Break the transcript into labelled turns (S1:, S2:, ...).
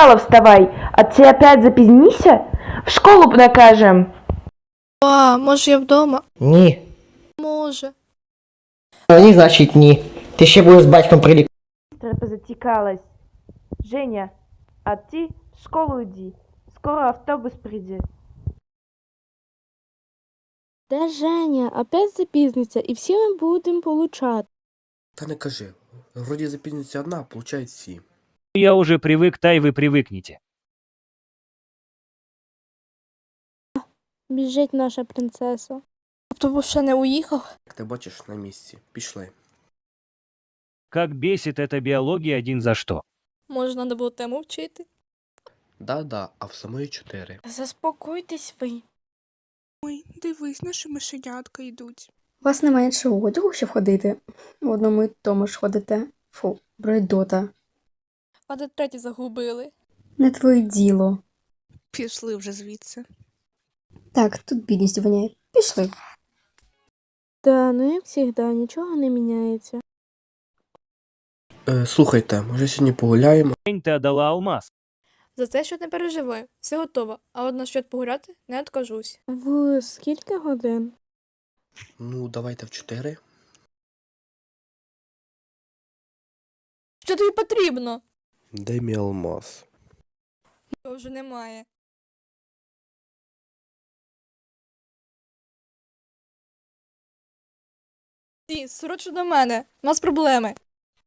S1: сказала вставай, а ты опять запізнися? В школу накажем.
S2: А, може я вдома?
S3: Ні.
S2: Може.
S3: Ні, значить ні. Ти ще будеш з батьком прилік.
S1: Быстро затекалась. Женя, а ты в школу иди. Скоро автобус придет.
S4: Де Женя? Опять запізниться, і всі ми будемо получати.
S5: Та не кажи. Вроді запізниться одна, а получають всі.
S6: Я уже привык, та и вы привыкнете.
S4: Біжить наша принцеса.
S2: Автобус ще не уїхав?
S5: Як ти бачиш, на місці. Пішли.
S6: Как бесит эта биология один за что.
S2: Може, треба було тему вчити?
S5: Да-да, а в самої 4.
S2: Заспокойтесь ви.
S7: Ой, дивись, наші мишенятка йдуть.
S8: У вас немає іншого одягу, щоб ходити. В одному й тому ж ходите. Фу, бредота.
S2: А де треті загубили?
S8: Не твоє діло.
S7: Пішли вже звідси.
S8: Так, тут бідність воняє. Пішли.
S4: Та, ну як завжди, нічого не міняється.
S5: Слухайте, може сьогодні погуляємо?
S6: День ты отдала алмаз.
S2: За це що не переживай. Все готово. А от насчет погуляти не откажусь.
S4: В скільки годин?
S5: Ну, давайте в 4.
S2: Що тобі потрібно?
S5: Де мій алмаз?
S2: Його вже немає. Ті, срочно до мене. У нас проблеми.